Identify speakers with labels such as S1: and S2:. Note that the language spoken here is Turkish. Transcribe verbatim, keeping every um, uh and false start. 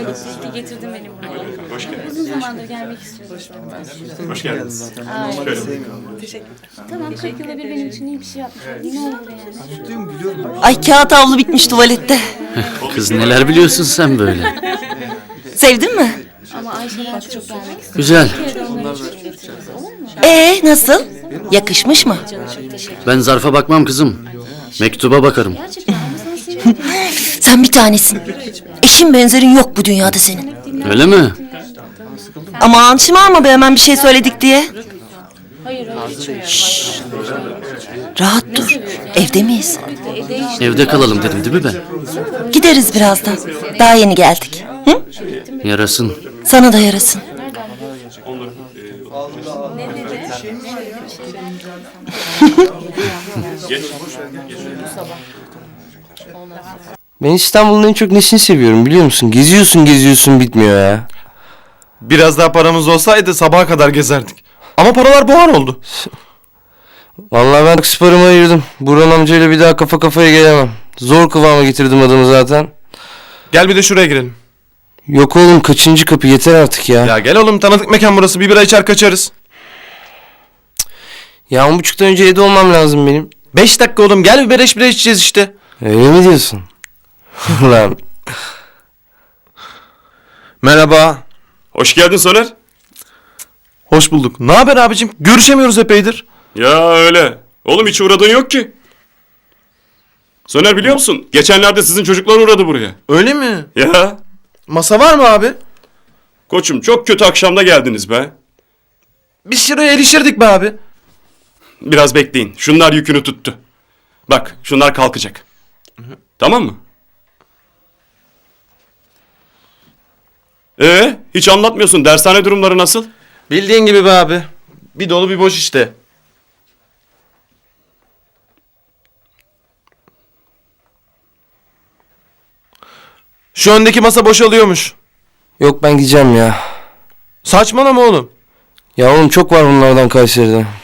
S1: Getirdim beni buraya.
S2: Hoş geldiniz.
S1: Uzun zamandır gelmek istiyordum.
S2: Hoş geldiniz.
S1: Ay,
S2: Şöyle.
S1: tamam, kırk yılda bir benim için iyi bir şey yapmış. Ne olur yani.
S3: Ay kağıt havlu bitmiş tuvalette.
S4: Kız neler biliyorsun sen böyle.
S3: Sevdin mi?
S1: Ama Ayşe'den çok gelmek istiyorum.
S4: Güzel.
S1: Bir kere de onları için getiririz, olur mu?
S3: Ee nasıl? Yakışmış mı?
S1: Çok teşekkür
S4: Ben zarfa bakmam kızım. Mektuba bakarım.
S1: Gerçekten ama sana seviyorum.
S3: Sen bir tanesin. Eşin benzerin yok bu dünyada senin.
S4: Öyle mi?
S3: Aman şımarma be hemen bir şey söyledik diye.
S1: Hayır hayır hiç öyle.
S3: Rahat dur. Evde miyiz?
S4: Evde kalalım dedim değil mi ben?
S3: Gideriz birazdan. Daha yeni geldik. Hı?
S4: Yarasın.
S3: Sana da yarasın.
S5: Ben İstanbul'un en çok nesini seviyorum biliyor musun? Geziyorsun geziyorsun bitmiyor ya.
S6: Biraz daha paramız olsaydı sabaha kadar gezerdik. Ama paralar buhar oldu.
S5: Vallahi ben sporuma ayırdım. Burhan amcayla bir daha kafa kafaya gelemem. Zor kıvama getirdim adamı zaten.
S6: Gel bir de şuraya girelim.
S5: Yok oğlum kaçıncı kapı yeter artık ya.
S6: Ya gel oğlum, tanıdık mekan burası. Bir bira içer kaçarız.
S5: Ya on buçuktan önce evde olmam lazım benim.
S6: Beş dakika oğlum, gel bir beleş bira içeceğiz işte.
S5: Öyle mi diyorsun? Lan.
S6: Merhaba.
S2: Hoş geldin Soner.
S6: Hoş bulduk. Ne haber abicim? Görüşemiyoruz epeydir.
S2: Ya öyle. Oğlum hiç uğradığın yok ki. Soner biliyor musun? Geçenlerde sizin çocuklar uğradı buraya.
S6: Öyle mi?
S2: Ya.
S6: Masa var mı abi?
S2: Koçum çok kötü akşamda geldiniz be.
S6: Biz şuraya erişirdik be abi.
S2: Biraz bekleyin. Şunlar yükünü tuttu. Bak şunlar kalkacak. Tamam mı? Ee, hiç anlatmıyorsun. Dershane durumları nasıl?
S6: Bildiğin gibi be abi. Bir dolu bir boş işte. Şu öndeki masa boşalıyormuş.
S5: Yok ben gideceğim ya.
S6: Saçmalama oğlum.
S5: Ya oğlum çok var bunlardan Kayseri'de.